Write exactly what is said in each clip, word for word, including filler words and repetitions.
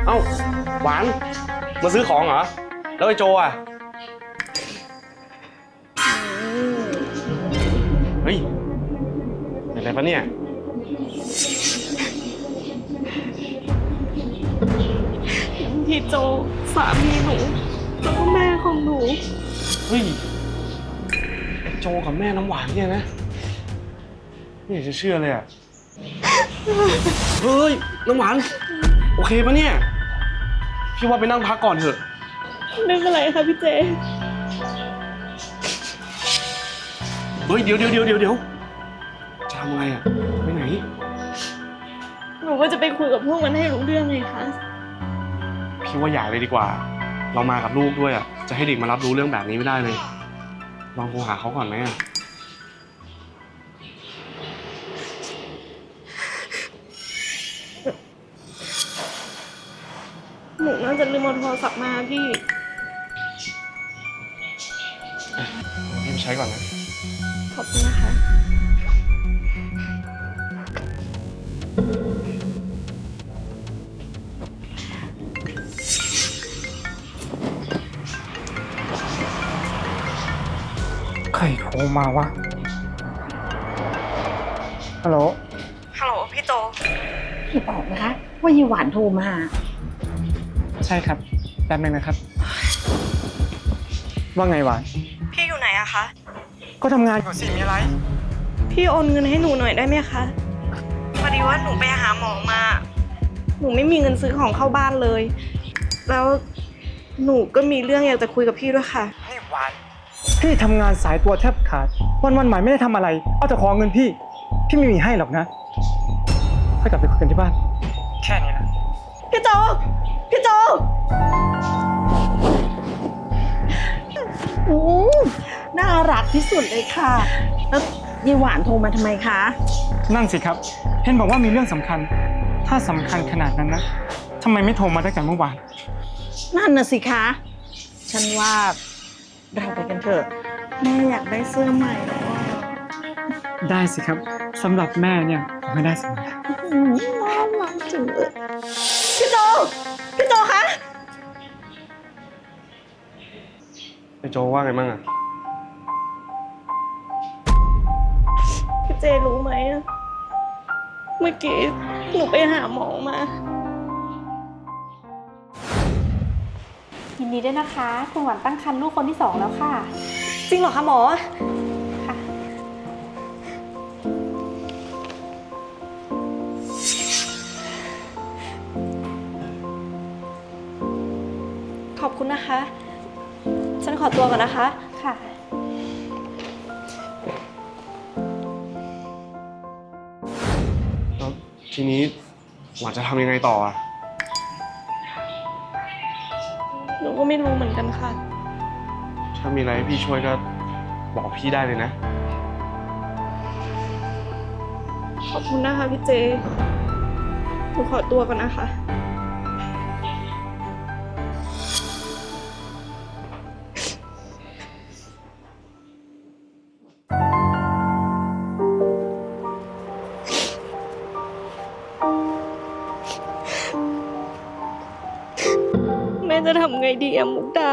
เอ้าหวานมาซื้อของเหรอแล้วไอ้โจอ่ะเฮ้ยเป็นอะไรปะเนี่ยพี่โจสามีหนูแล้วก็แม่ของหนูเฮ้ยไอ้โจกับแม่น้ำหวานเนี่ยนะไม่อยากจะเชื่อเลยอ่ะเฮ้ยน้ำหวานโอเคปะเนี่ยพี่ว่าไปนั่งพักก่อนเถอะไม่เป็นไรค่ะพี่เจเฮ้ยเดี๋ยวเดี๋ยวเดี๋ยวเดี๋ยวเดี๋ยวจะทำอะไรอ่ะไปไหนหนูก็จะไปคุยกับพวกมันให้รู้เรื่องไงคะพี่ว่าอย่าเลยดีกว่าเรามากับลูกด้วยอ่ะจะให้เด็กมารับรู้เรื่องแบบนี้ไม่ได้เลยลองโทรหาเขาก่อนไหมอ่ะหนูน่าจะลืมเอาโทรศัพท์มาพี่พี่ไปใช้ก่อนนะขอบคุณนะคะใครโทรมาวะฮัลโหลฮัลโหลพี่โจพี่บอกนะคะว่ายีหวานโทรมาใช่ครับแป๊บนึงนะครับว่าไงหวานพี่อยู่ไหนอะคะก็ทำงานอยู่สิมีอะไรพี่โอนเงินให้หนูหน่อยได้ไหมคะพอดีว่าหนูไปหาหมอมาหนูไม่มีเงินซื้อของเข้าบ้านเลยแล้วหนูก็มีเรื่องอยากจะคุยกับพี่ด้วยค่ะนี่หวานพี่ทำงานสายตัวแทบขาดวันวันใหม่ไม่ได้ทำอะไรเอาแต่ขอเงินพี่พี่ไม่มีให้หรอกนะค่อยกลับไปคุยกันที่บ้านแค่นี้นะพี่โจพี่โจอืมน่ารักที่สุดเลยค่ะแล้วยีหวานโทรมาทำไมคะนั่นสิครับเห็นบอกว่ามีเรื่องสำคัญถ้าสำคัญขนาดนั้นนะทำไมไม่โทรมาตั้งแต่เมื่อวานนั่นน่ะสิคะฉันว่าเราไปกันเถอะแม่อยากได้เสื้อใหม่แล้วได้สิครับสำหรับแม่เนี่ยผมไม่ได้เสมอน่ารักจังเลยพี่โจพี่โจคะไอ้โจว่าไงบ้างอะพี่เจรู้ไหมอะเมื่อกี้หนูไปหาหมอมายินดีด้วยนะคะคุณหวานตั้งครรภ์ลูกคนที่สองแล้วค่ะจริงเหรอคะหมอค่ะขอบคุณนะคะฉันขอตัวก่อนนะคะค่ะแล้วทีนี้หวานจะทำยังไงต่ออะหนูก็ไม่รู้เหมือนกันค่ะถ้ามีอะไรให้พี่ช่วยก็บอกพี่ได้เลยนะขอบคุณนะคะพี่เจหนูขอตัวก่อนนะคะแม่จะทำไงดีอะมุกดา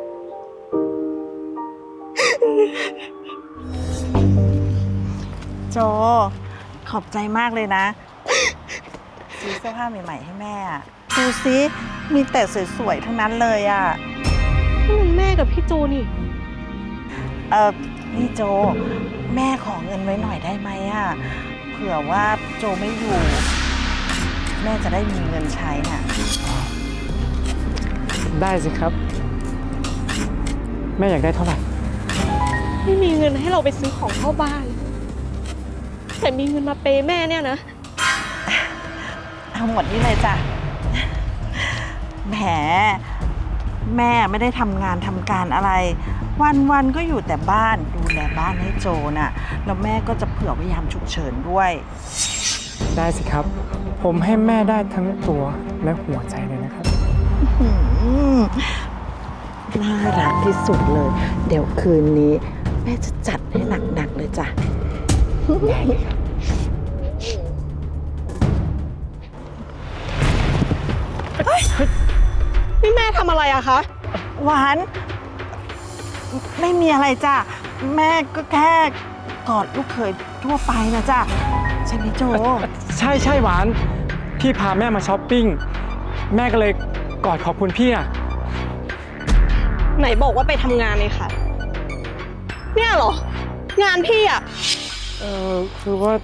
โจขอบใจมากเลยนะซื้อเสื้อผ้าใหม่ๆให้แม่ดูสิมีแต่สวยๆทั้งนั้นเลยอ่ะนี่มันแม่กับพี่โจนี่เออนี่โจแม่ขอเงินไว้หน่อยได้ไหมอ่ะเผื่อว่าโจไม่อยู่แม่จะได้มีเงินใช้น่ะได้สิครับแม่อยากได้เท่าไหร่ไม่มีเงินให้เราไปซื้อของเข้าบ้านแต่มีเงินมาเปย์แม่เนี่ยนะเอาหมดนี่เลยจ้ะแหมแม่ไม่ได้ทำงานทำการอะไรวันๆก็อยู่แต่บ้านดูแลบ้านให้โจน่ะแล้วแม่ก็จะเผื่อไว้ยามฉุกเฉินด้วยได้สิครับผมให้แม่ได้ทั้งตัวและหัวใจเลยนะครับน่ารักที่สุดเลยเดี๋ยวคืนนี้แม่จะจัดให้หนักๆเลยจ้ะได้เลยครับเฮ้ยทำอะไรอะคะหวาน ไม่มีอะไรจ้ะ แม่ก็แค่กอดลูกเขยทั่วไปนะจ้ะใช่ไหมโจใช่ใช่หวาน พี่พาแม่มาช้อปปิ้ง แม่ก็เลยกอดขอบคุณพี่อะไหนบอกว่าไปทำงานเลยค่ะ เนี่ยเหรอ งานพี่อะเออคือว่า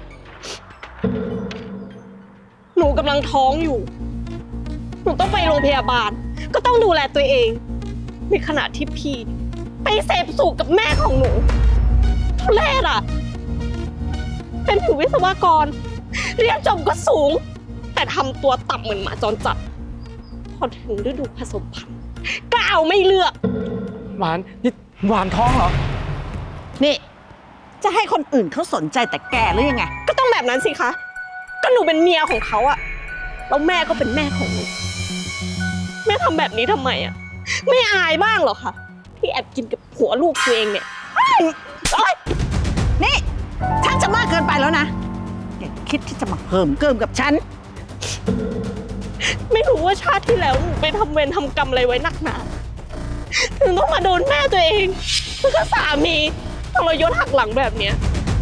หนูกำลังท้องอยู่ หนูต้องไปโรงพยาบาล ก็ต้องดูแลตัวเอง ในขณะที่พี่ ไปเสพสุขกับแม่ของหนูทุเรศอะเป็นถึงวิศวกร เรียนจบก็สูง แต่ทำตัวต่ำเหมือนหมาจรจัด พอถึงฤดูผสมพันธุ์ก็เอาไม่เลือกหวานนี่หวานท้องเหรอนี่จะให้คนอื่นเขาสนใจแต่แกหรือยังไงก็ต้องแบบนั้นสิคะ ก็หนูเป็นเมียของเขาอะแล้วแม่ก็เป็นแม่ของหนู แม่ทำแบบนี้ทำไมอะไม่อายบ้างเหรอคะที่แอบกินกับผัวลูกตัวเองเนี่ยโอ๊ยนี่ฉันจะมากเกินไปแล้วนะอย่าคิดที่จะมาเพิ่มเกิมกับฉันไม่รู้ว่าชาติที่แล้วหนูไปทำเวรทำกรรมอะไรไว้หนักหนาถึงต้องมาโดนแม่ตัวเองแล้วก็สามีทรยศหักหลังแบบเนี้ย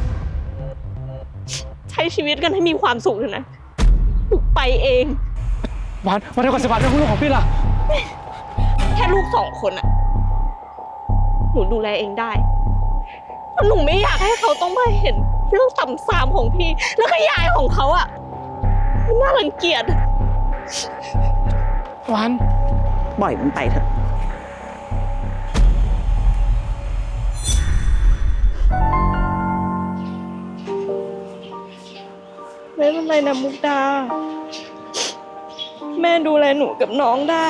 ใช้ชีวิตกันให้มีความสุขเถอะนะหนูไปเองหวานหวานเดี๋ยวก่อนสิหวานเรื่องลูกของพี่ล่ะแค่ลูกสองคนอะหนูดูแลเองได้เพราะหนูไม่อยากให้เขาต้องมาเห็นเรื่องต่ำซามของพี่ แล้วก็ยายของเขาอะมันน่ารังเกียจหวานปล่อยมันไปเถอะไม่เป็นไรนะมุกดา แม่ดูแลหนูกับน้องได้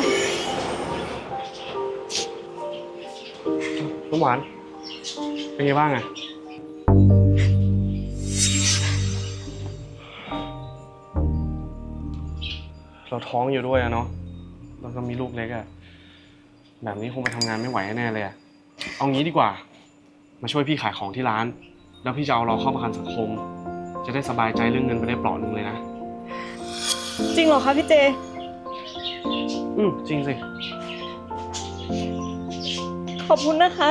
น้ำหวาน เป็นไงบ้างอะเราท้องอยู่ด้วยอะเนาะแล้วก็มีลูกเล็กอะแบบนี้คงไปทำงานไม่ไหวแน่เลยอะเอางี้ดีกว่า มาช่วยพี่ขายของที่ร้าน แล้วพี่จะเอาเราเข้าประกันสังคม จะได้สบายใจเรื่องเงินไปได้เปลาะหนึ่งเลยนะจริงเหรอคะพี่เจอืมจริงสิขอบคุณนะคะ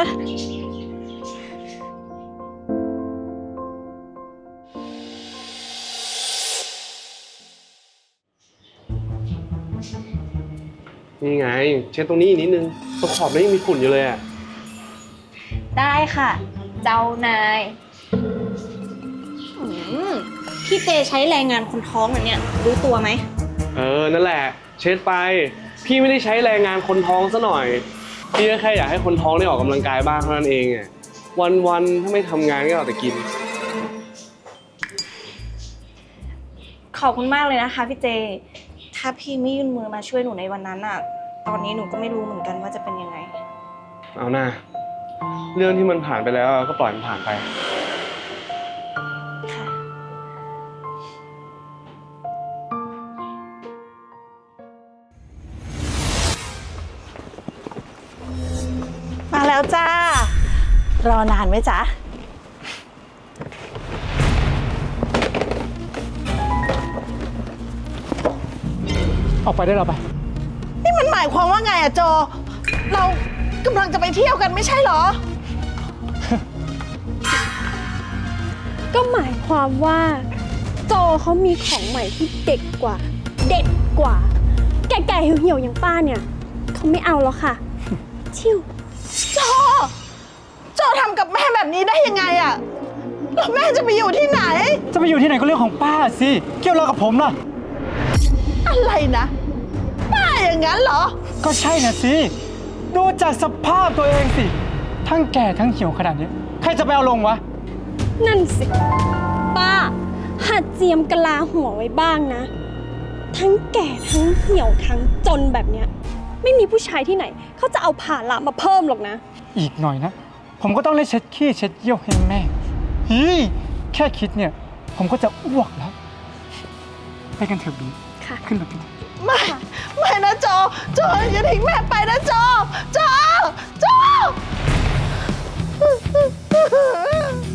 นี่ไง เช็ดตรงนี้อีกนิดนึงตรงขอบนี้ยังมีฝุ่นอยู่เลยอะได้ค่ะ เจ้านายอืมพี่เจใช้แรงงานคนท้องเหรอเนี่ย รู้ตัวไหมเออ นั่นแหละ เช็ดไป พี่ไม่ได้ใช้แรงงานคนท้องซะหน่อย พี่ก็แค่อยากให้คนท้องได้ออกกำลังกายบ้างเท่านั้นเองอะวันๆถ้าไม่ทำงานก็เอาแต่กินขอบคุณมากเลยนะคะพี่เจ ถ้าพี่ไม่ยื่นมือมาช่วยหนูในวันนั้นอะตอนนี้หนูก็ไม่รู้เหมือนกันว่าจะเป็นยังไงเอาหน้า เรื่องที่มันผ่านไปแล้วก็ปล่อยมันผ่านไปค่ะมาแล้วจ้า รอนานไหมจ๊ะออกไปได้เราไปนี่มันหมายความว่าไงอะโจ เรากำลังจะไปเที่ยวกันไม่ใช่เหรอก็หมายความว่า โจเขามีของใหม่ที่เด็กกว่า เด็ดกว่า แก่ๆเหี่ยวๆอย่างป้าเนี่ยเขาไม่เอาแล้วค่ะ ชิวโจ โจทำกับแม่แบบนี้ได้ยังไงอะแล้วแม่จะไปอยู่ที่ไหนจะไปอยู่ที่ไหนก็เรื่องของป้าสิ เกี่ยวอะไรกับผมล่ะอะไรนะ ป้าอย่างนั้นเหรอก็ใช่น่ะสิ ดูจากสภาพตัวเองสิ ทั้งแก่ทั้งเหี่ยวขนาดนี้ ใครจะไปเอาลงวะนั่นสิ ป้า หัดเจียมกะลาหัวไว้บ้างนะ ทั้งแก่ทั้งเหี่ยวทั้งจนแบบเนี้ยไม่มีผู้ชายที่ไหน เขาจะเอาผ่าละมาเพิ่มหรอกนะอีกหน่อยนะ ผมก็ต้องได้เช็ดขี้เช็ดเยี่ยวให้แม่ฮีแค่คิดเนี่ย ผมก็จะอ้วกแล้ว ไปกันเถอะบีค่ะขึ้นรถกันไม่ ไม่นะโจ โจอย่าทิ้งแม่ไปนะโจ โจ โจ